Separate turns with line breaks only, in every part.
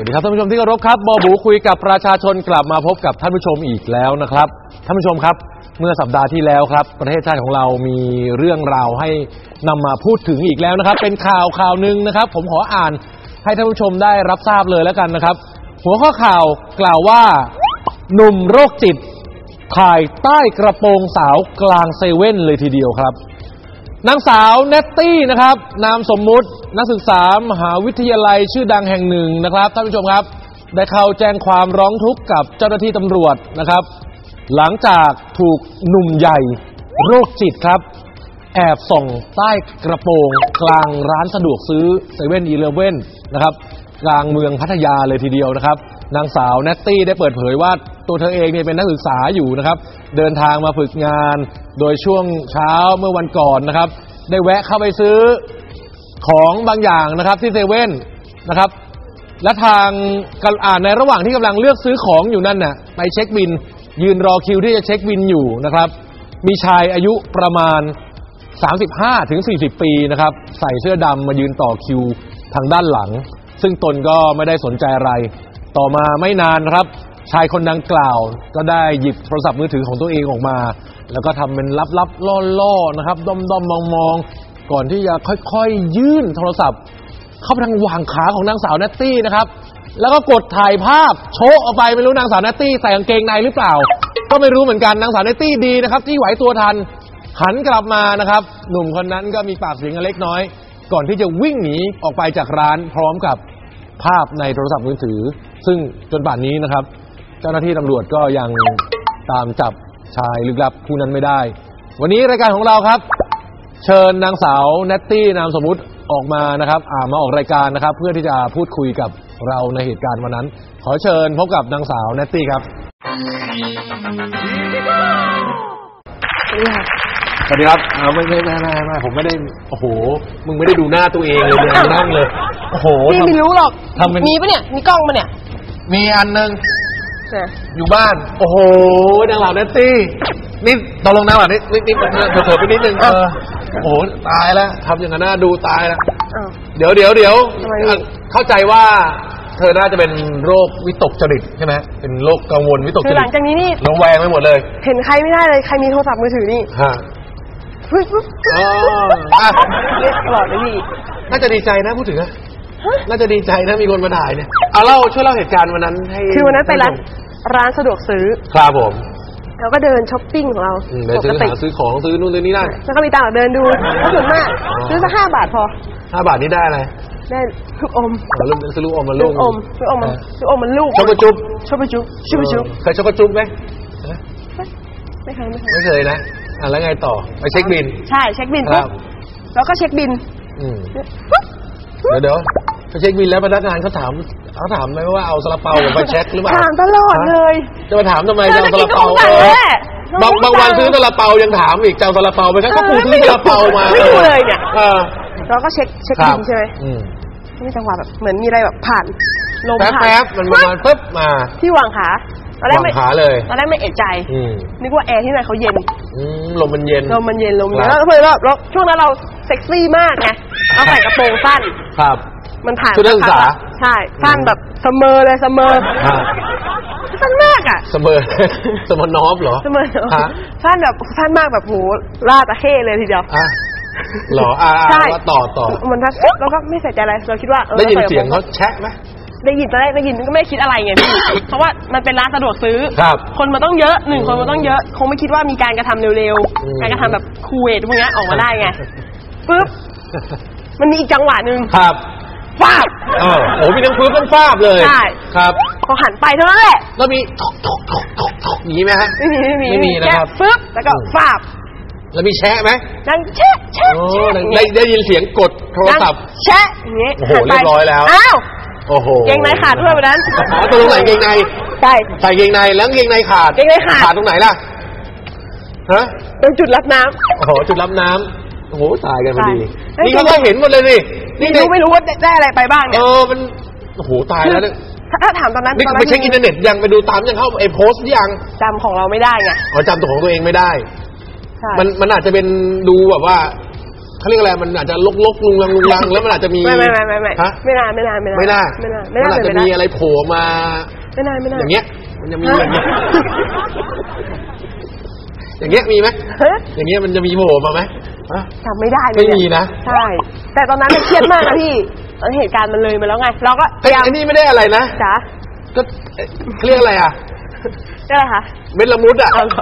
ดีครับท่านผู้ชมที่เคารพครับบอบูคุยกับประชาชนกลับมาพบกับท่านผู้ชมอีกแล้วนะครับท่านผู้ชมครับเมื่อสัปดาห์ที่แล้วครับประเทศชาติของเรามีเรื่องราวให้นำมาพูดถึงอีกแล้วนะครับเป็นข่าวหนึ่งนะครับผมขออ่านให้ท่านผู้ชมได้รับทราบเลยแล้วกันนะครับหัวข้อข่าวกล่าวว่าหนุ่มโรคจิตถ่ายใต้กระโปรงสาวกลางเซเว่นเลยทีเดียวครับนางสาวเนตตี้นะครับนามสมมุตินักศึกษามหาวิทยาลัยชื่อดังแห่งหนึ่งนะครับท่านผู้ชมครับได้เข้าแจ้งความร้องทุกข์กับเจ้าหน้าที่ตำรวจนะครับหลังจากถูกหนุ่มใหญ่โรคจิตครับแอบส่องใต้กระโปรงกลางร้านสะดวกซื้อเซเว่นอีเลฟเว่นนะครับกลางเมืองพัทยาเลยทีเดียวนะครับนางสาวเนตตี้ได้เปิดเผยว่าตัวเธอเองเนี่ยเป็นนักศึกษาอยู่นะครับเดินทางมาฝึกงานโดยช่วงเช้าเมื่อวันก่อนนะครับได้แวะเข้าไปซื้อของบางอย่างนะครับที่เซเว่นนะครับและทางในระหว่างที่กำลังเลือกซื้อของอยู่นั่นน่ะไปเช็คบิลยืนรอคิวที่จะเช็คบิลอยู่นะครับมีชายอายุประมาณ 35-40 ปีนะครับใส่เสื้อดำมายืนต่อคิวทางด้านหลังซึ่งตนก็ไม่ได้สนใจอะไรต่อมาไม่นานครับชายคนดังกล่าวก็ได้หยิบโทรศัพท์มือถือของตัวเองออกมาแล้วก็ทำเป็นลับๆล่อๆนะครับด้อมๆมองๆก่อนที่จะค่อยๆยื่นโทรศัพท์เข้าไปทางหว่างขาของนางสาวเนตตี้นะครับแล้วก็กดถ่ายภาพโชว์ออกไปไม่รู้นางสาวเนตตี้ใส่กางเกงในหรือเปล่าก็ไม่รู้เหมือนกันนางสาวเนตตี้ดีนะครับที่ไหวตัวทันหันกลับมานะครับหนุ่มคนนั้นก็มีปากเสียงกันเล็กน้อยก่อนที่จะวิ่งหนีออกไปจากร้านพร้อมกับภาพในโทรศัพท์มือถือซึ่งจนป่านนี้นะครับเจ้าหน้าที่ตำรวจก็ยังตามจับชายลึกลับผู้นั้นไม่ได้วันนี้รายการของเราครับเชิญนางสาวเนตตี้นามสมมุติออกมานะครับมาออกรายการนะครับเพื่อที่จะพูดคุยกับเราในเหตุการณ์วันนั้นขอเชิญพบกับนางสาวเนตตี้ครับสวัสดีครับไม่ผมไม่ได้โอ้โหมึงไม่ได้ดูหน้าตัวเองเลยนั่งเลยโอ้โหพี่ไม่รู้หรอกมีปะเนี่ยมีกล้องปะเนี่ยมีอันนึงอยู่บ้านโอ้โหนางสาวเนตตี้นี่ตกลงนางสาวนี่เผลอไปนิดนึงโอ้โหตายแล้วทำอย่างนั้นน่าดูตายแล้วเดี๋ยวเข้าใจว่าเธอน่าจะเป็นโรควิตกจริตใช่ไหมเป็นโรคกังวลวิตกจริตหลังจากนี้นี่ระแวงไปหมดเลยเห็นใครไม่ได้เลยใครมีโทรศัพท์มือถือนี่ตลอดเลยพี่น่าจะดีใจนะพูดถึงนะน่าจะดีใจนะมีคนมาถ่ายเนี่ยช่วยเล่าเหตุการณ์วันนั้นให้คือวันนั้นไปร้านสะดวกซื้อครับผมแล้วก็เดินช้อปปิ้งของเราไปซื้อของซื้อนู่นซื้อนี่ได้แล้วก็มีตังค์เดินดูก็ส่วนมากซื้อสัก5 บาทพอ5 บาทนี่ได้อะไรได้ลูกอมซื้อลูกอมมาลูกมันลูกช็อกโกจุ๊บเคยช็อกโกจุ๊บไหมไม่เคยนะแล้วไงต่อไปเช็คบิลใช่เช็คบิลปุ๊บแล้วก็เช็คบิลเดี๋ยวไปเช็คบิลแล้วพนักงานเขาถามไหมว่าเอาซาลาเปาไปเช็คหรือเปล่าถามตลอดเลยจะมาถามทำไมจะเอาซาลาเปาบางวันซื้อซาลาเปายังถามอีกจะเอาซาลาเปาไปครับก็กูซื้อซาลาเปามาไม่ดูเลยเนี่ยแล้วก็เช็คบิลใช่ไหมนี่จังหวะแบบเหมือนมีอะไรแบบผ่านลมผ่านแป๊บมันประมาณปึ๊บมาที่วางขาตอนแรกไม่เอะใจนึกว่าแอร์ที่ไหนเขาเย็นลมมันเย็นแล้วแล้วช่วงนั้นเราเซ็กซี่มากไงเราใส่กระโปรงสั้นครับมันผ่านชุดนักศึกษาใช่สั้นแบบเสมอเลยสั้นมากอ่ะเสมอนอฟเหรอเสมอสั้นแบบสั้นมากแบบโหล่าตะเข้เลยทีเดียวหรอว่าต่อมันทักแล้วก็ไม่ใส่ใจอะไรเราคิดว่าได้ยินเสียงเขาแชะไหมได้ยินตอนแรกได้ยินก็ไม่คิดอะไรไงพี่เพราะว่ามันเป็นร้านสะดวกซื้อคนมันต้องเยอะคนมันต้องเยอะคงไม่คิดว่ามีการกระทำเร็วๆการกระทำแบบคูเวทพวกนี้ออกมาได้ไงปึ๊บมันมีอีกจังหวะนึงครับฟาบโอ้มีทั้งปึ๊บทั้งฟาบเลยใช่ครับพอหันไปเท่านั้นแหละแล้วมีอย่างนี้ไหมฮะไม่มีนะครับปึ๊บแล้วก็ฟาบแล้วมีแชะไหมดังแชะได้ยินเสียงกดโทรศัพท์แชะอย่างนี้โอ้โหเรียบร้อยแล้วอ้าวโอ้โหเกงในขาดด้วยวันนั้นตัวตรงไหนเกงในใช่ใส่เกงในแล้วเกงในขาดตรงไหนล่ะฮะตรงจุดรับน้ำโอ้โหจุดรับน้ำโอ้โหตายกันพอดีนี่เขาก็เห็นหมดเลยนี่ไม่รู้ว่าได้อะไรไปบ้างเนี่ยมันโอ้โหตายแล้วถ้าถามตอนนั้นไปเช็คอินเทอร์เน็ตยังไปดูตามยังเข้าโพสต์ยังจำของเราไม่ได้ไงจำตัวของตัวเองไม่ได้มันอาจจะเป็นดูแบบว่าเขาเรียกอะไรมันอาจจะลกลุงลังแล้วมันอาจจะมี
ไม่
ฮะไม่น่ามันอาจจะมีอะไรโผล่มา
ไม่น่า
อย่างเงี้ยมันจะมีอย่างเงี้ยมีไหมอย่างเงี้ยมันจะมีโผล่มาไหม
จำไม่ได้เลย
ไม่มีนะ
ใช่แต่ตอนนั้นเครียดมากนะพี่เหตุการณ์มันเลยมาแล้วไงเราก็
พยายามนี่ไม่ได้อะไรนะ
จ๋า
ก็เรียกอะไร
ก็อะไรคะ
เม็ดละมุด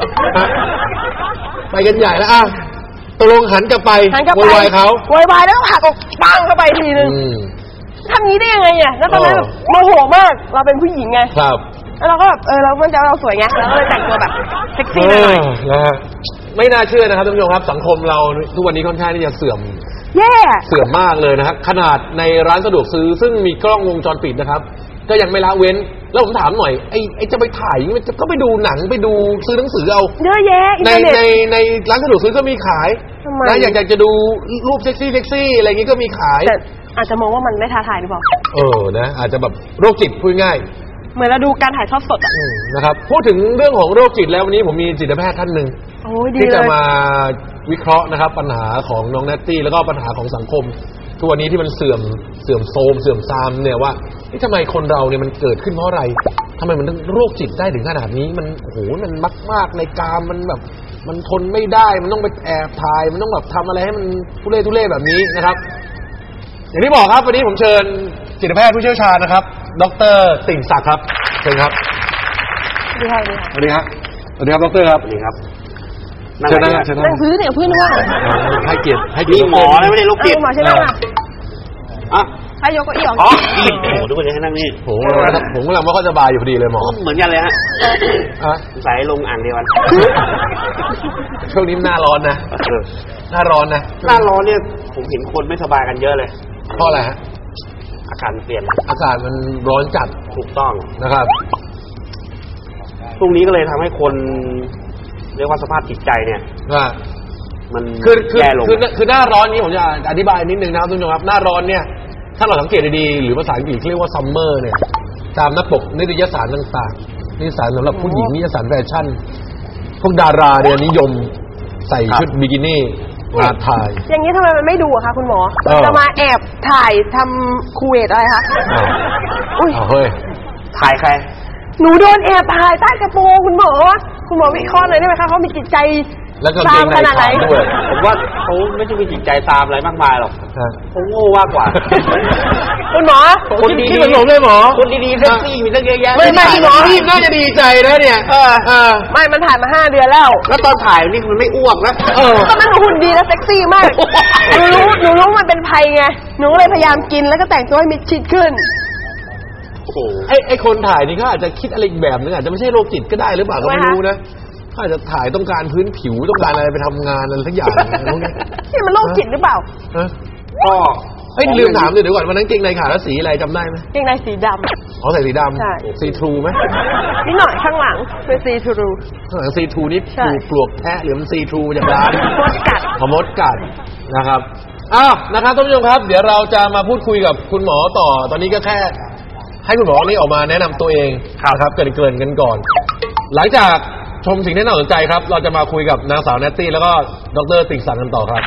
ไปกันใหญ่แล้วตกลงหันกลับไปโวยวายเขา
โวยวายแล้วก็หักออกปังเข้าไปทีนึงทำนี้ได้ยังไงแล้วตอนนั้นโมโหมากเราเป็นผู้หญิงไง
ครับ
แล้วเราก็แบบเรามั่นใจว่าเราสวยไงเราก็เลยแต่งตัวแบบเซ็กซี่หน่อย
ไม่น่าเชื่อนะครับท่านผู้ชมครับสังคมเราทุกวันนี้ค่อนข้างที่จะเสื่อมมากเลยนะครับขนาดในร้านสะดวกซื้อซึ่งมีกล้องวงจรปิดนะครับก็ยังไม่ละเว้นแล้วผมถามหน่อยไอ้จะไปถ่ายก็ไปดูหนังไปดูซื้อหนังสือเอา
เยอะแยะ
ในร้านสะดวกซื้อก็มีขายนะอยากจะดูรูปเซ็กซี่อะไรอย่างงี้ก็มีขาย
แต่อาจจะมองว่ามันไม่ท้าทายหรือเปล่า
นะอาจจะแบบโรคจิตพูดง่าย
เหมือนเราดูการถ่ายทอดสด
นะครับพูดถึงเรื่องของโรคจิตแล้ววันนี้ผมมีจิตแพทย์ท่านหนึ่งที่จะมาวิเคราะห์นะครับปัญหาของน้องแนตตี้แล้วก็ปัญหาของสังคมทุกวันนี้ที่มันเสื่อมโทรมเสื่อมทรามเนี่ยว่าทำไมคนเราเนี่ยมันเกิดขึ้นเพราะอะไรทำไมมันถึงโรคจิตได้ถึงขนาดนี้มันโอ้โหมันมากในกามมันแบบมันทนไม่ได้มันต้องไปแอบถ่ายมันต้องแบบทำอะไรให้มันทุเรศแบบนี้นะครับอย่างที่บอกครับวันนี้ผมเชิญจิตแพทย์ผู้เชี่ยวชาญนะครับดร.ติ่งศักดิ์ครับเชิญครับสวัสดีครับดร.ครับสวัสดีครับเชิญนั่ง
ซื้อเนี่ยเพื่อนว่า
ให้เกียรติ
หมอไม่ได้ลูกจิต
หมอใช่ไหมให้ยกเก้าอี้ออก
โอ้โหทุกคนจะให้นั่งนี่
ผมกำลังไม่ค่อยสบายอยู่พอดีเลยหมอ
เหมือนกันเลยฮะใส่ลงอ่างเดียวกัน
ช่วงนี้หน้าร้อนนะหน้าร้อน
เนี่ยผมเห็นคนไม่สบายกันเยอะเลย
เพราะอะไรฮะ
อากาศเปลี่ยน
อากาศมันร้อนจัด
ถูกต้อง
นะครับ
พรุ่งนี้ก็เลยทำให้คนเรียกว่าสภาพจิตใจเนี่ยมันแย่ลง
คือหน้าร้อนนี้ผมจะอธิบายนิดนึงนะครับทุกท่านครับหน้าร้อนเนี่ยถ้าเราสังเกตดีๆหรือภาษาอังกฤษเรียกว่าซัมเมอร์เนี่ยตามหน้าปกนิตยสารต่างๆนิตยสารสำหรับผู้หญิงนิตยสารแฟชั่นพวกดาราเนี่ยนิยมใส่ชุดบิกินี่มาถ่าย
อย่างนี้ทำไมมันไม่ดูอะคะคุณหมอจะมาแอบถ่ายทำคูเวตอะไรคะ
เฮ้ย
ถ่ายใคร
หนูโดนแอบถ่ายใต้กระโปรงคุณหมอวิเคราะห์หน่อยได้ไหมคะเขามีจิตใจ
ตามขนาดไหนด้วย
ผมว่าเขาไม่ใช่มีจิตใจตามอะไรมากมายหรอกเขาโง่มากกว่า
คุณหมอ
คนดีๆผมเลยหมอ
คนดีๆเซ็กซี่มีตั้งเยอะแยะ
ไม่หมอพี่น่าจะดีใจนะเนี่ย
ไม่มันถ่ายมา5 เดือนแล้ว
ตอนถ่ายนี่มันไม่อ้วกนะ
ตอนนั้นหนูหุ่นดีและเซ็กซี่มากหนูรู้มันเป็นภัยไงหนูเลยพยายามกินแล้วก็แต่งตัวให้มิดชิดขึ้น
ไอ้คนถ่ายนี่เขาอาจจะคิดอะไรอีกแบบนึงอาจจะไม่ใช่โรคจิตก็ได้หรือเปล่าก็ไม่รู้นะเขาอาจจะถ่ายต้องการพื้นผิวต้องการอะไรไปทำงานอะไรสักอย่าง
นี่มันโรคจิตหรือเปล่า
ก็
ลืมถามเลยเดี๋ยวก่อนวันนั้นเกงในขาแล้วสีอะไรจำได้ไหม
เกงในสีดำ
ใส่สีดำซีทรูไหม
นิดหน่อยข้างหลังเป็นซีทรู
ข้างหลังซีทรูนี่ปลวกแทะหรือมันซีทรูจากร้านมดกัดนะครับนะครับท่านผู้ชมครับเดี๋ยวเราจะมาพูดคุยกับคุณหมอต่อตอนนี้ก็แค่ให้คุณหมอนี่ออกมาแนะนำตัวเองครับเกริ่นกันก่อนหลังจากชมสิ่งที่น่าสนใจครับเราจะมาคุยกับนางสาวแนตตี้แล้วก็ดร.ติ่งศักดิ์กันต่อครับ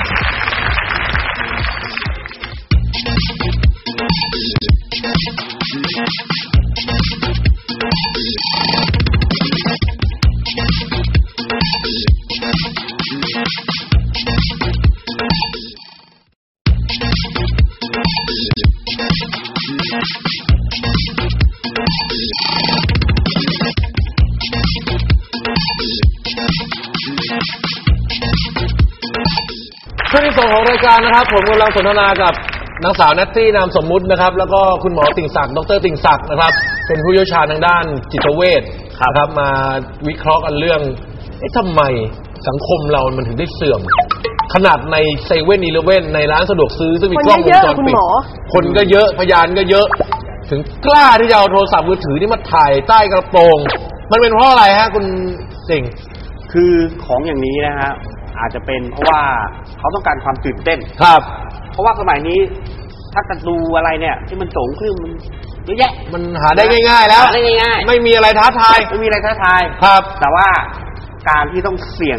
ช่วงที่2ของรายการนะครับผมกำลังสนทนากับนางสาวแนตตี้นามสมมุตินะครับแล้วก็คุณหมอติ่งศักดิ์ดร.ติ่งศักดิ์นะครับเป็นผู้เชี่ยวชาญทางด้านจิตเวชครับมาวิเคราะห์กันเรื่องทำไมสังคมเรามันถึงได้เสื่อมขนาดในเซเว่นอีเลฟเว่นในร้านสะดวกซื้อซึ่งมีกล้องวงจรปิดคนก็เยอะพยานก็เยอะถึงกล้าที่จะเอาโทรศัพท์มือถือนี่มาถ่ายใต้กระโปรงมันเป็นเพราะอะไรฮะคุณติ่ง
คือของอย่างนี้นะฮะอาจจะเป็นเพราะว่าเขาต้องการความตื่นเต้น
ครับ
เพราะว่าสมัยนี้ถ้าจะดูอะไรเนี่ยที่มันโจ๋งขึ้นมันเยอะแยะ
มันหาได้ง่ายๆแล้ว
หาได้ง่าย
ๆไม่มีอะไรท้าทาย
ครับแต่ว่าการที่ต้องเสี่ยงค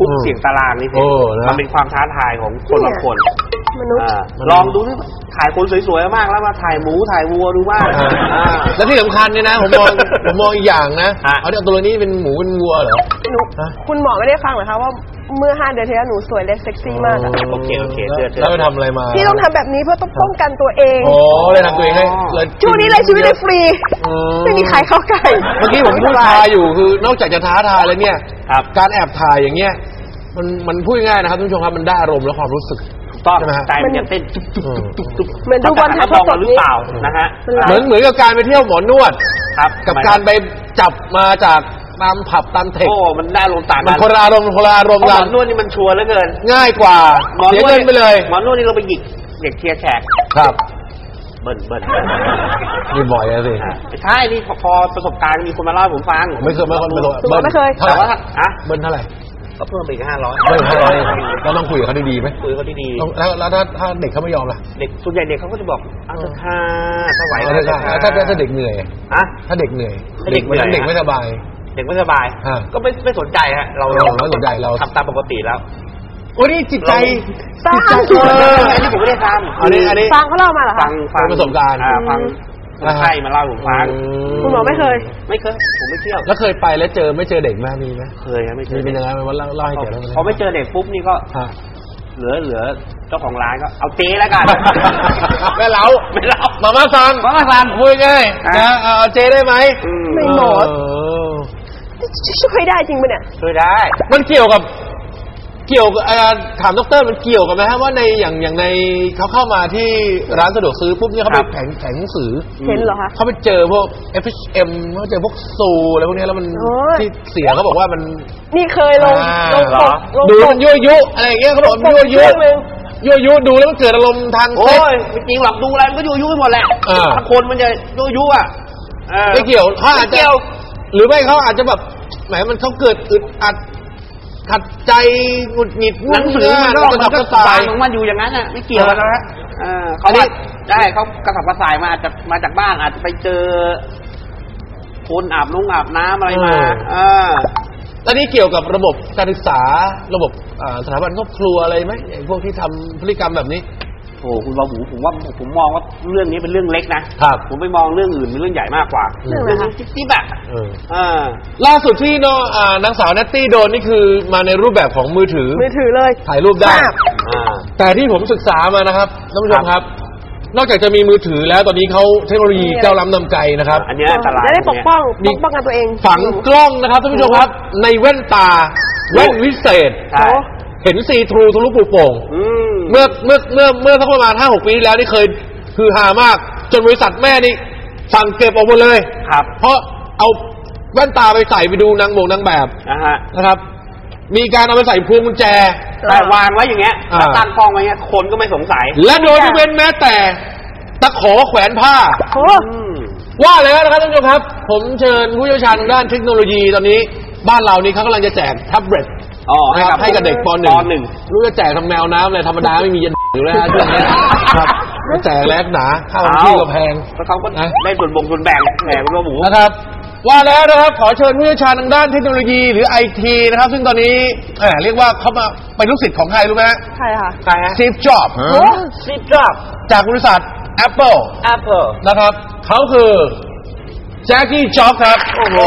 คุกเสี่ยงตารางนี่สิมันเป็นความท้าทายของคนบางคน
มนุษย์
ลองดูที่ถ่ายคนสวยๆมากแล้วมาถ่ายหมูถ่ายวัวดูบ้าง
แล้วที่สำคัญเนี่ยนะผมมองอีกอย่างนะเอาตัวนี้เป็นหมูเป็นวัวเหรอ
คุณหมอไม่ได้ฟังเหรอคะว่าเมื่อ5 เดือนที่แล้วหนูสวยและเซ็กซี่มาก
โอเค
แล้วไปทำอะไรมา
พี่ต้องทำแบบนี้เพื่อต้องป้องกันตัวเอง
เลยทำตัวเองให้
ช่วงนี้เลยชีวิตเลยฟรีไม่มีใครเข้าใกล้
เมื่อกี้ผมพูดทายอยู่คือนอกจากจะท้าทายแล้วเนี่ยการแอบถ่ายอย่างเงี้ยมันพูดง่ายนะครับทุกผู้ชมครับมันได้อารมณ์และความรู้สึก
ต้องใจมันจะเต้นตุ๊บ
เหมือนดูบอลถ่ายทอดสด
หรือเปล่านะฮะ
เหมือนกับการไปเที่ยวหมอนวดกับการไปจับมาจากตามผับตามเทค
มันได้ลงต่างกัน
มันคนละอารมณ์กันหม
อนวดนี่มันชัวร์เหลือเกิน
ง่ายกว่าเสียเงินไปเลย
หมอนวดนี่เราไปหยิกเด็กเทียร์แขก
ครับ
เบิ้ล
นี่บ่อยเลยสิ
ใช่นี่พอประสบการณ์มีคนมาเล่าให้ผมฟัง
ไม่เคย
แต่ว่า
เบิ้ลเท่าไหร่
ก็เพิ่มไปอีก
500เบิ้ล500แล้วต้องคุยกับเขาดีๆไหม
คุยเขาดี
ๆแล้วถ้าเด็กเขาไม่ยอมล่ะ
เด็กส่วนใหญ่เด็กเขาก็จะบอกเอาเถอะค่ะถ้าไหว
ถ้าเด็กเหนื่อยถ้าเด็กเหนื่อยเด็กไม่สบาย
เด็กไม่สบายก็ไม่สนใจฮะเรา
ไม่สนใจเรา
ทำตามปกติแล้ว
โอ้นี่จิตใจ
อันนี้ผมไม่ได้ทำ
อันนี้
ฟังเขาเล่ามาเหรอคะ
ฟัง
ประสบการณ์
ฟังใช่มาเล่าผมฟัง
คุณหมอไม่เคย
ผมไม่เที่ยว
แล้วเคยไปแล้วไม่เจอเด็กไหมมีไหม
เคยครับไม่เจอ
เป็นยังไงมาเล่าให้แก
พอไม่เจอเด็กปุ๊บนี่ก็เหลือเจ้าของร้านก็เอาเจ๊แล้วกัน
ไม่เล่ามาม่าซังคุยง่ายนะเอาเจ๊ได้ไหม
ไม่หมดช่วยได้จริงปะเนี่ย
ช่วยได้
มันเกี่ยวกับถามดร.มันเกี่ยวกับไหมฮะว่าในอย่างในเขาเข้ามาที่ร้านสะดวกซื้อปุ๊บเนี่ยเขาไปแผงหนังสือ
เห็นเหรอคะ
เขาไปเจอพวก FHM เขาเจอพวกซูอะไรพวกนี้แล้วมันที่เสียเขาบอกว่ามัน
นี่เคยลง
ดูมันยั่วยุอะไรอย่างเงี้ยเขาบอกยั่วยุดูแล้วมันเกิดอารมณ์ทาง
เซ็กส์ไม่จริงหรอกดูอะไรมันก็ยั่วยุไปหมดแหละถ้าคนมันจะยั่วยุอ่ะ
ไม่เกี่ยวเขาอาจจะหรือไม่เขาอาจจะแบบแหมมันเขาเกิดอึดอัดขัดใจหงุดหงิด
หนังสือมันก็กระสายของมันอยู่อย่างนั้นน่ะไม่เกี่ยวกันนะเขาได้เขากระสับกระส่ายมาจากบ้านอาจจะไปเจอคนอาบน้ำอะไรมา
ตอนนี้เกี่ยวกับระบบการศึกษาระบบสถาบันครอบครัวอะไรไหมพวกที่ทำพฤติกรรมแบบนี้
โอ้คุณบาหูผมมองว่าเรื่องนี้เป็นเรื่องเล็กนะครับผมไปมองเรื่องอื่นเป็นเรื่องใหญ่มากกว่าเรื่องจิ๊บๆอ่ะ
ล่าสุดที่นางสาวเนตตี้โดนนี่คือมาในรูปแบบของมือถือ
เลย
ถ่ายรูปได้แต่ที่ผมศึกษามานะครับท่านผู้ชมครับนอกจากจะมีมือถือแล้วตอนนี้เขาเทคโนโลยีก้าวล้ำนำไกลนะครับ
อันนี้อันตราย
ได้ปกป้องกันตัวเอง
ฝังกล้องนะครับท่านผู้ชมครับในแว่นตาแว่นวิเศษเห็นซีทรูทะลุปูโป่งเมื่อสักประมาณ 5-6 ปีที่แล้วนี่เคยคือฮามากจนบริษัทแม่นี่สั่งเก็บออกหมดเลย
ครับ
เพราะเอาแว่นตาไปใส่ไปดูนางแบบนะครับมีการเอาไปใส่พวงกุญแจ
แต่วางไว้อย่างเงี้ยตั้งกล้องไว้เงี้ยคนก็ไม่สงสัย
และโดยไม่เว้นแม้แต่ตะขอแขวนผ้าว่าแล้วนะครับท่านผู้ชมครับผมเชิญผู้เชี่ยวชาญทางด้านเทคโนโลยีตอนนี้บ้านเรานี่เขากำลังจะแจกแท็บเล็ตให้กับเด็กป .1 รู้จะแจกทำแมวน้ำเลยธรรมดาไม่มียันอยู่แล้วช่วงนี้ครับแจกแลกหนาข้าวที่ก็แพง
เขาก็ได้ส่วนแบ่งแหมคุณหมู
นะครับว่าแล้วนะครับขอเชิญผู้เชี่ยวชาญทางด้านเทคโนโลยีหรือไอทีนะครับซึ่งตอนนี้เรียกว่าเขามาเป็นลูกศิษย์ของใครรู้ไหม
ใครค่ะ
Steve Jobs จากบริษัท Apple นะครับเขาคือแจ็คกี้จ็อบครับโอ้โห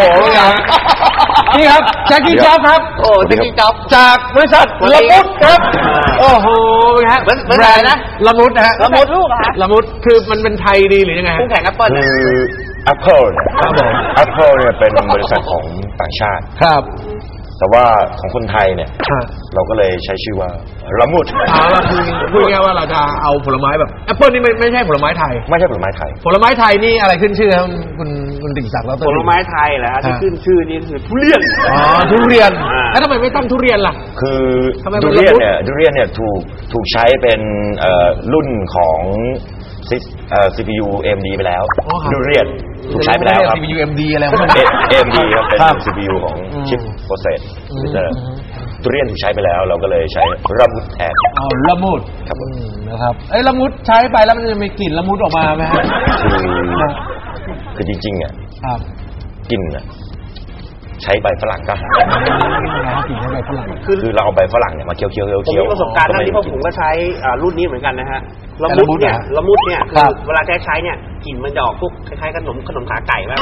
นี่ครับแจ็คกี้จ็อบครับ
แจ็คกี้จ็อบ
จากบริษัทละมุดครับโอ้โหฮะ
แบรนด์นะ
ละมุดนะฮะ
ละมุดลูกอะ
ละมุดคือมันเป็นไทยดีหรือยังไง
คู่แข่ง Apple
คือ Apple เนี่ย Apple เนี่ยเป็นบริษัทของต่างชาติ
ครับ
แต่ว่าของคนไทยเนี่ยเราก็เลยใช้ชื่อว่าละมุด
พูดง่ายว่าเราจะเอาผลไม้แบบแอปเปิลนี่ไม่ใช่ผลไม้ไทย
ไม่ใช่ผลไม้ไทย
ผลไม้ไทยนี่อะไรขึ้นชื่อครับคุณติ่งศักดิ์แล้ว
ผลไม้ไทยเหรอที่ขึ้นชื่อนี่คือทุเรียน
ทุเรียนแล้วทำไมไม่ตั้งทุเรียนล่ะ
คือทุเรียนเนี่ยถูกใช้เป็นรุ่นของ CPU AMD ไปแล้วทุเรียนถูกใช้ไปแล้วครับ
CPU AMD อะไรของมัน
AMD ครับเป็น CPU ของชิปโปรเซสทุเรียนถูกใช้ไปแล้วเราก็เลยใช้ละมุดแทน
ละมุดครับนะครับละมุดใช้ไปแล้วมันจะมีกลิ่นละมุดออกมาไหมฮะ
คือจริงๆอ่ะกลิ่นอ่ะใช้ใบฝรั่งก็หาย
กินใช้ใบฝรั่ง
คือเราเอาใบฝรั่งเนี่ยมาเคี้ยวๆ
ผมมีประสบการณ์ที่พวกผมก็ใช้รุ่นนี้เหมือนกันนะฮะละมุดเนี่ยคือเวลาใช้เนี่ยกลิ่นมันจะออกพวกคล้ายๆขนมขาไก่มาก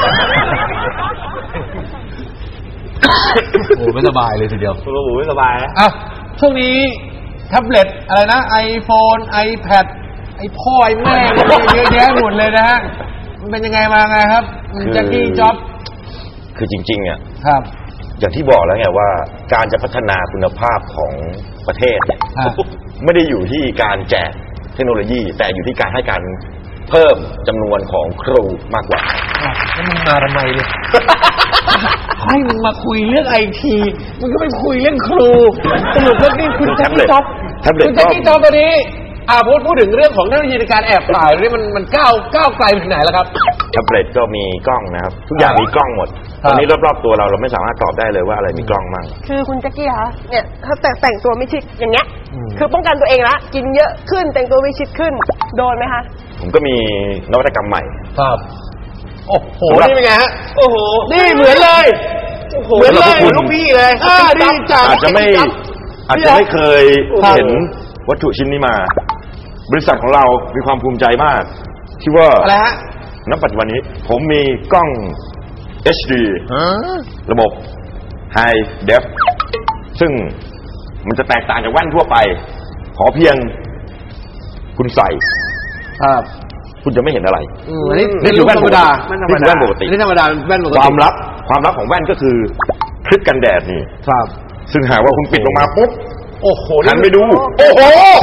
โอ้ไม่สบายเลยทีเดียว
โอ้โหไม่สบายนะ
ช่วงนี้แท็บเล็ตอะไรนะ iPhone iPad ไอ้พ่อไอ้แม่เยอะแยะหมดเลยนะฮะมันเป็นยังไงมาไงครับแจ็คกี้จ็อบ
คือจริงๆอ่ะ
ครับ
อย่างที่บอกแล้วไงว่าการจะพัฒนาคุณภาพของประเทศเนี่ยไม่ได้อยู่ที่การแจกเทคโนโลยีแต่อยู่ที่การให้การเพิ่มจำนวนของครูมากกว่า
แล้วมึงมาทำไมเนี่ยให้มึงมาคุยเรื่องไอทีมึงก็ไปคุยเรื่องครูสรุปว่านี่คุณแจ็คกี้จ็อบคุณแจ็คกี้จ็อบตัวนี้พูดถึงเรื่องของเทคโนโลยีในการแอบถ่ายนี่มันก้าวไกลไปถึงไหนแล้วครับ
แท็บเล็ตก็มีกล้องนะครับทุกอย่างมีกล้องหมดตอนนี้รอบๆตัวเราไม่สามารถตอบได้เลยว่าอะไรมีกล้องมั่ง
คือคุณแจ็คกี้คะเนี่ยถ้าแต่งตัวไม่ชิดอย่างเงี้ยคือป้องกันตัวเองละกินเยอะขึ้นแต่งตัวไม่ชิดขึ้นโดนไหมคะ
ผมก็มีนวัตกรรมใหม่
ครับโอ้โหนี่เป็นไงฮะโอ้โหนี่เหมือนเลย
เหมือนเลยลูกพี่เลย
ดีจัง
อาจจะไม่เคยเห็นวัตถุชิ้นนี้มาบริษัทของเรามีความภูมิใจมากที่ว่า
อะไรฮะ
ณปัจจุบันนี้ผมมีกล้อง HD ระบบ High Def ซึ่งมันจะแตกต่างจากแว่นทั่วไปขอเพียงคุณใส่คุณจะไม่เห็นอะไร
นี่คือแว่นธรรมดา
นี่คือแว่นปกติ
นี่ธรรมดาแว่นปกติ
ความลับของแว่นก็คือคลิปกันแดดนี่
ครับ
ซึ่งหากว่าคุณปิดลงมาปุ๊บ
โอ้โห
หันไปดูโอ้โห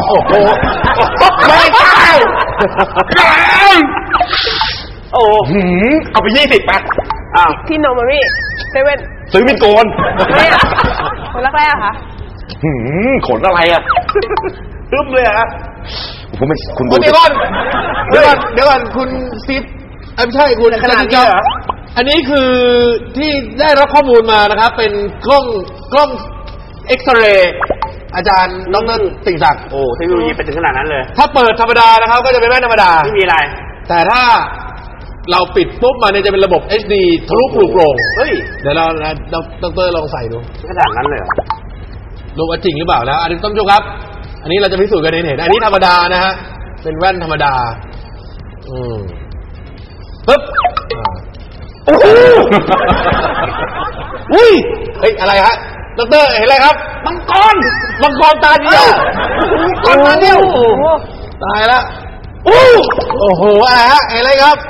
ไม่ใช่
โอ้เอาไป20ไป
พี่โนมารี่เซเว่น
ซื้อมิดโกน
คนแรกๆค่ะ
ขนอะไรอ่ะตึ้มเลยอ่ะผมไม่คุณดู
เดี๋ยวก่อนคุณซิปไม่ใช่คุณ
ขนาดนี้เหรอ
อันนี้คือที่ได้รับข้อมูลมานะครับเป็นกล้องเอ็กซเรย์อาจารย์ดร.ติ่งศักดิ์
โอ้เทคโนโลยีไปถึงขนาดนั้นเลย
ถ้าเปิดธรรมดานะครับก็จะเป็นแว่นธรรมดา
ไม่มีอะไร
แต่ถ้าเราปิดปุ๊บมาเนี่ยจะเป็นระบบ HD ทะลุปลุกโปร่ง
เฮ้ย
เดี๋ยวเราดร.ลองใส่ดู
ขนาดนั้นเลยเหรอ
ดูว่าจริงหรือเปล่านะอันนี้ต้องดูครับอันนี้เราจะพิสูจน์กันเห็นอันนี้ธรรมดานะฮะเป็นแว่นธรรมดาปึ๊บโอ้โหอุ้ยเฮ้ยอะไรฮะดร.เห็นอะไรครับมังกรตาเดียวตายละโอ้โหอะไรฮะเห็นอะไรครับ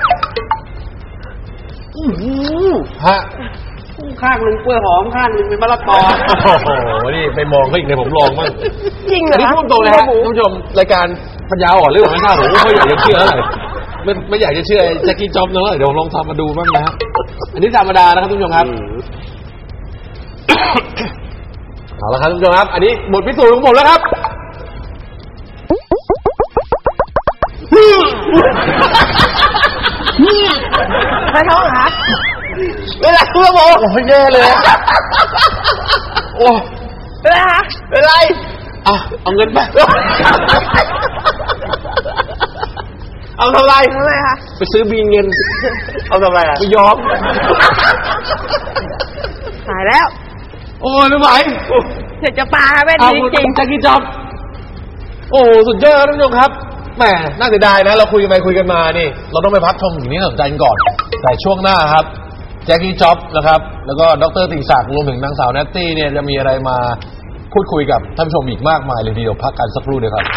ฮะ
ข้างหนึ่งกล้วยหอมข้างหนึ่งเป็นมะละกอ
โอ้โหนี่ไปมองก็อีกเลยผมลองบ้าง
จริงเหรอ
นี่พูดตรงเลยฮะท่านผู้ชมรายการปัญญาอ่อนเรื่องไม่ทราบผมไม่อยากจะเชื่ออะไรไม่อยากจะเชื่อแจ็คกี้จ็อบนะเดี๋ยวลองทำมาดูบ้างนะอันนี้ธรรมดานะครับท่านผู้ชมครับเอาละครับท่านผู้ชมครับอันนี้บทพิสูจน์ของผมแล้วครับ
ใครท้องเหรอ
เวลาคุณบอกโอ้ยแย่เลยโอ้
เป็นไรคะ
เป็นไรเอาเงินไปเอาทำไร
คะ
ไปซื้อบีเงิน
เอาทำไร
ไปยอม
หายแล้ว
โอ้ยไม่ไหว
เดี๋ยวจะปาแว่นจริง
แจ็คกี้จ็อบโอ้สุดยอดท่านผู้ชมครับแหมน่าเสียดายนะเราคุยกันไปคุยกันมานี่เราต้องไปพักชมสิ่งนี้น่าสนใจกันก่อนแต่ช่วงหน้าครับแจ็คกี้จ็อบนะครับแล้วก็ดร.ติ่งศักดิ์รวมถึงนางสาวแนตตี้เนี่ยจะมีอะไรมาพูดคุยกับท่านผู้ชมอีกมากมายเลยทีเดียวพักกันสักครู่เดียวครับ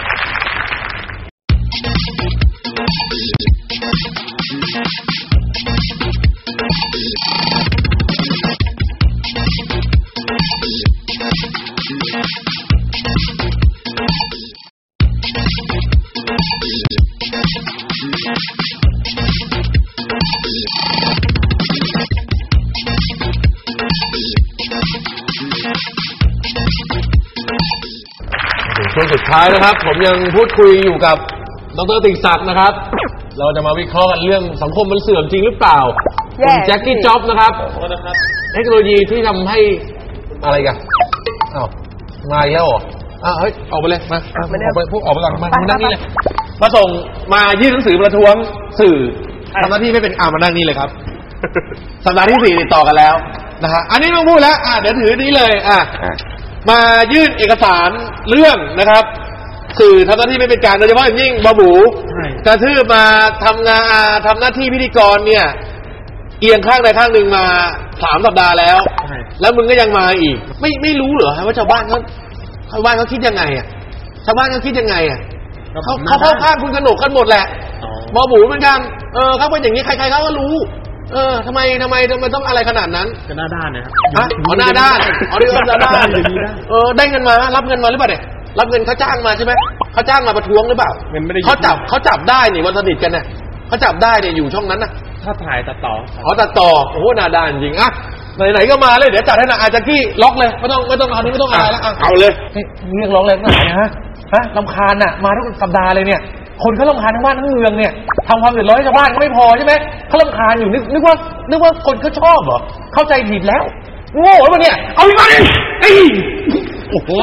ช่วงสุดท้ายนะครับผมยังพูดคุยอยู่กับดร.ติ่งศักดิ์นะครับเราจะมาวิเคราะห์กันเรื่องสังคมมันเสื่อมจริงหรือเปล่าคุณแจ็คกี้จ็อบนะครับเทคโนโลยีที่ทำให้อะไรกันมาแล้วเหรอเฮ้ยออกไปเลยมาออกไปพวกออกไปก่อนมานั่งนี่เลยมาส่งมายื่นหนังสือประท้วงสื่อทำหน้าที่ไม่เป็นมานั่งนี่เลยครับสัปดาห์ที่4ติดต่อกันแล้วนะฮะอันนี้ต้องพูดแล้วเดี๋ยวถือนี้เลยมายื่นเอกสารเรื่องนะครับสื่อทำหน้าที่ไม่เป็นกลางโดยเฉพาะอย่างยิ่งบาบูกระทืบมาทำหน้าที่พิธีกรเนี่ยเอียงข้างใดข้างหนึ่งมา3 สัปดาห์แล้วมึงก็ยังมาอีกไม่รู้เหรอว่าชาวบ้านเขาคิดยังไงชาวบ้านเขาคิดยังไงเขาเข้าข้างคุณกนกกันหมดแหละบาบูเหมือนกันเขาเป็นอย่างนี้ใครๆเขาก็รู้ทำไมต้องอะไรขนาดนั้น
ก็หน้าด้านนะครับ
หน้าด้านนี่ก็หน้าด้านได้เงินมารับเงินมาหรือเปล่าเนี่ยรับเงินเขาจ้างมาใช่ไหมเขาจ้างมาประท้วงหรือเปล่าเขาจับได้นี่วันสนิทกันเนี่ยเขาจับได้เนี่ยอยู่ช่องนั้นนะ
ถ้าถ่ายตัดต่อ
ตัดต่อโอ้โหหน้าด้านจริงไหนก็มาเลยเดี๋ยวจัดให้นะอาจจะกี้ล็อกเลยไม่ต้องเอานี้ไม่ต้องอะไรแล้ว
เอาเลย
เรียกร้องแรงหน่อยนะรำคาญมาทุกสัปดาห์เลยเนี่ยคนเขารำคาญทั้งบ้านทั้งเมืองเนี่ยทำความเดือดร้อนให้ชาวบ้านก็ไม่พอใช่ไหมเขารำคาญอยู่นึกว่าคนเขาชอบเหรอเข้าใจผิดแล้วโง่แล้วเนี่ยเอาอีกมาดิโอ้โห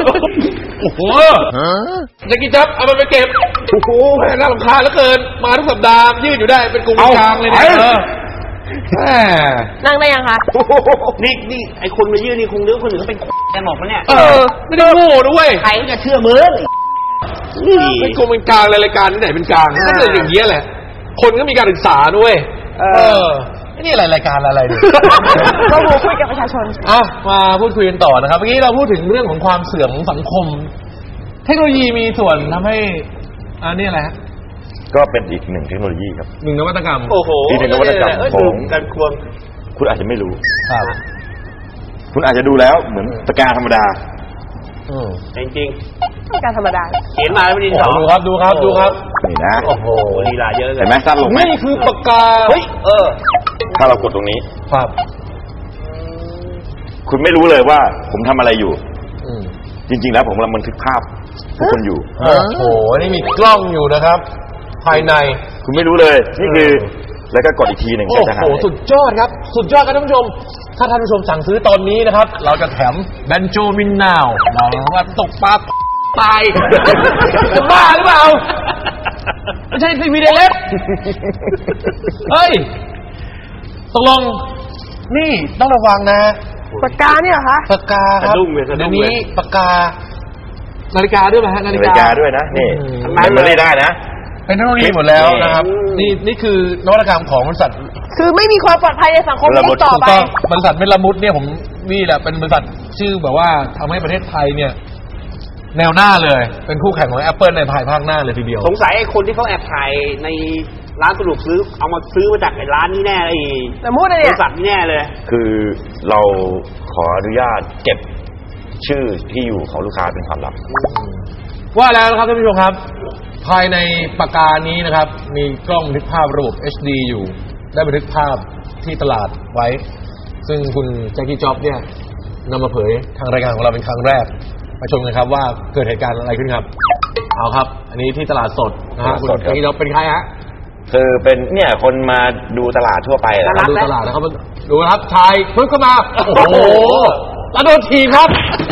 จะกินจับเอามันไปเก็บโอ้โหน่ารำคาญเหลือเกินมาทุกสัปดาห์ยืดอยู่ได้เป็นกลุ่มกลางเลยเนี่ย
นั่งได้ยังคะ
นี่ไอคนมายืดนี่คงนึกคนอื่นเขาเป็นแกหมอกปะเนี่ย
ไม่ได้โง่ด้วย
ใครจะเชื่อมือ
เป็นกลุ่มเป็นกลางรายการที่ไหนเป็นกลางก็เลยอย่างเงี้ยแหละคนก็มีการศึกษาด้วยนี่อะไรรายการอะไรเนี่ย
ก็คุยกับประชาชน
มาพูดคุยกันต่อนะครับเมื่อกี้เราพูดถึงเรื่องของความเสื่อมของสังคมเทคโนโลยีมีส่วนทำให้นี่อะไรฮะ
ก็เป็นอีกหนึ่งเทคโนโลยีครับ
1 นวัตกรรม
อีก1 นวัตกรรมของการควงคุณอาจจะไม่รู้คุณอาจจะดูแล้วเหมือนปากกาธรรมดา
จริง
การธรรมดา
เขียนมาแล้วไม่ดีสอง
ดูครับ
นี่นะ
โอ้โหลีลาเยอะเลย
เห็นไหมสั้นลงไหม
นี่คือปากกา
ถ้าเรากดตรงนี้
ครับ
คุณไม่รู้เลยว่าผมทำอะไรอยู่จริงๆแล้วผมกำลังบันทึกภาพทุกคนอยู่
โอ้โหนี่มีกล้องอยู่นะครับภายใน
คุณไม่รู้เลยนี่คือแล้วก็กดอีกทีหนึ่ง
โอ้โหสุดยอดครับสุดยอดครับท่านผู้ชมถ้าท่านผู้ชมสั่งซื้อตอนนี้นะครับเราจะแถมแบนโจมินนาวเราว่าตกปลาตายจะบ้าหรือเปล่าไม่ใช่ซีวีเดเล็กเฮ้ยตกลงนี่ต้องระวังนะ
ปากกาเนี่ยเหรอคะ
ปากกาครับเดี๋ยวนี้ปากกานาฬิกาด้วยไหมฮะ
นาฬิกาด้วยนะนี่มันไม่ได้นะ
เป็นเทคโนโลยีหมดแล้วนะครับนี่คือนวัตกรรมของบริษัท
คือไม่มีความปลอดภัยในสังคมนี้ต่อไป
บริษัทเมลามุดเนี่ยผมนี่แหละเป็นบริษัทชื่อแบบว่าทำให้ประเทศไทยเนี่ยแนวหน้าเลยเป็นคู่แข่งของ Apple ในภายภาคหน้าเลยทีเดียว
สงสัยไอ้คนที่เขาแอบถ่ายในร้านสะดวกซื้อเอามาซื้อมาจากไอ้ร้านนี้แน่เลย
แต่มูดเนี่ย
บริษัทนี้แน่เลย
คือเราขออนุญาตเก็บชื่อที่อยู่ของลูกค้าเป็นความลับ
ว่าแล้วนะครับท่านผู้ชมครับภายในปากกานี้นะครับมีกล้องบันทึกภาพระบบ HD อยู่ได้บันทึกภาพที่ตลาดไว้ซึ่งคุณแจ็คกี้จ็อบเนี่ยนำมาเผยทางรายการของเราเป็นครั้งแรกมาชมกันครับว่าเกิดเหตุการณ์อะไรขึ้นครับเอาครับอันนี้ที่ตลาดสดนะฮะคุณแจ็คกี้จ็อบเป็นใครฮะ
คือเป็นเนี่ยคนมาดูตลาดทั่วไป
นะดูตลาดนะครับดูครับชายพึ่งเข้ามาโอ้โหแล้วโดนทีครับ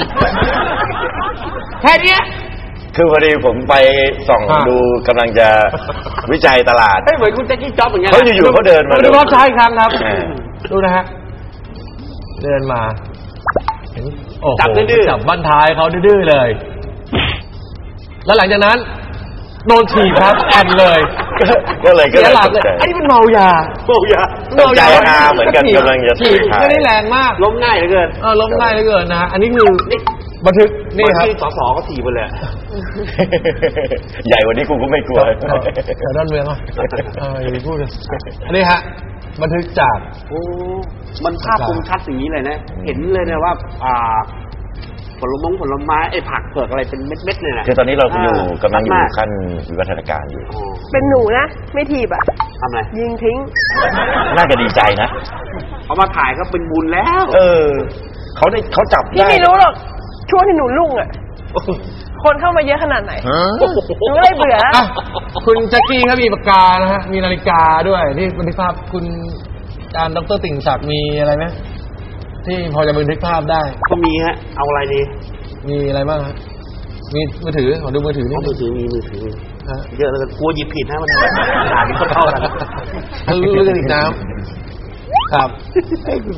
แค่นี้
คือพอดีผมไปส่องดูกำลังจะวิจัยตลาด
เหมือนคุณแจ็คกี้จ็อบเหมือนกัน
เขาอยู่ๆเขาเดินมา
ดูครับชายครับดูนะฮะเดินมา
จับดื้อ
จับบั้นท้ายเขาดื้อเลยแล้วหลังจากนั้นโดนถีบครับแอนเลย
ก็เลย
ไอ้นี่มันเมายา
ตกใจเหมือนกันกำลังจะ
ถีบไม่ได้แรงมาก
ล้มง่ายเหลือเกิน
ล้มง่ายเหลือเกินนะฮะอันนี้คือบันทึกนี่ครับ
สสก็ถีบไปเลย
ใหญ่กว่านี้กูก็ไม่กลัว
แต่ด้านเมืองอย่าไปพูดเลยอันนี้ฮะบันทึกจาก
มันภาพคมชัดอย่างนี้เลยนะเห็นเลยนะว่าผลไม้ไอ้ผักเผือกอะไรเป็นเม็ดๆเลยนะ
คือตอนนี้เรากำลังอยู่ขั้นวิวัฒนาการอยู่
เป็นหนูนะไม่ถีบอ่ะ
ทำไร
ยิงทิ้ง
น่าจะดีใจนะ
เขามาถ่ายก็เป็นบุญแล้ว
เขาจับได้
พี่ไม่รู้หรอกช่วงที่หนูลุ่งอ่ะคนเข้ามาเยอะขนาดไหนหนูเลยเบื่อ
คุณแจ็คกี้ครับมีปากกานะฮะมีนาฬิกาด้วยที่บันทึกภาพคุณอาจารย์ดร.ติ่งศักดิ์มีอะไรไหมที่พอจะบันทึกภาพได้
ก็มีฮะเอาอะไรดี
มีอะไรบ้างฮะมีมือถือขอดูมือถือนี่
มือถือมีมือถือเยอะเลยกลัวหยิบผิดนะมันอ่านไม่เข้ากัน
เรื่องอีกน้ำครับ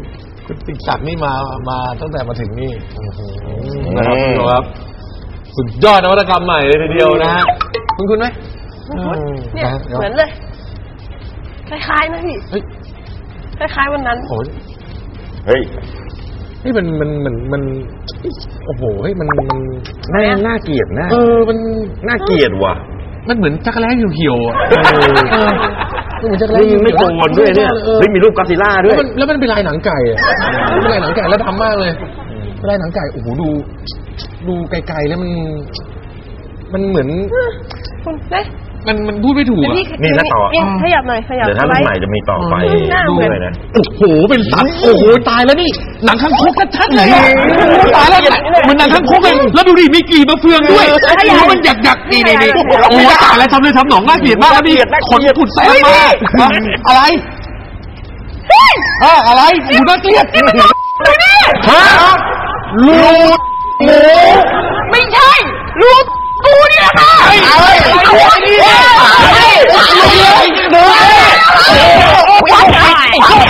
คุณติศักดิ์นี่มาตั้งแต่มาถึงนี่นะครับคุณผู้ชมครับสุดยอดนวัตกรรมใหม่เลยทีเดียวนะฮะคุณไหม
เนี่ยเหมือนเลยคล้ายๆนะพี่คล้ายๆวันนั้น
เฮ้ย
นี่มันโอ้โหเฮ้ยมัน
น่าเกลียดนะ
มัน
น่าเกลียดว่ะ
มันเหมือนจักรแร้เหี่ยวๆมันเหมือนจักรแร้
ไม่โกนด้วยเนี่ยเฮ้ยมีรูปกอซิลล่าด้วย
แล้วมันเป็นลายหนังไก่เป็นลายหนังไก่แล้วดำมากเลยลายหนังไก่โอ้โหดูไกลๆแล้วมันเหมือนมันพูดไม่ถูกอ่ะ
นี่แล้วต่อ
ขยับหน่อยขยับ
เดี๋ยวถ้ารุ่นใหม่จะมีต่อไปด้วยนะ
โอ้โหเป็นสัตว์โอ้โหตายแล้วนี่หนังข้างคกชัดๆเลยตายแล้วมันหนังข้างคกเลยแล้วดูดิมีกี่มะเฟืองด้วยมันหยักๆนี่โอ้ตายแล้วทำเลยทำหนองน่าเกลียดมากแล้วนี่ขนผุดแซ่บมากอะไรอะไรหูน่าเกลียดลูดหมู
ไม่ใช่ลูดกูนี่แหละค่ะ
ตัวนี้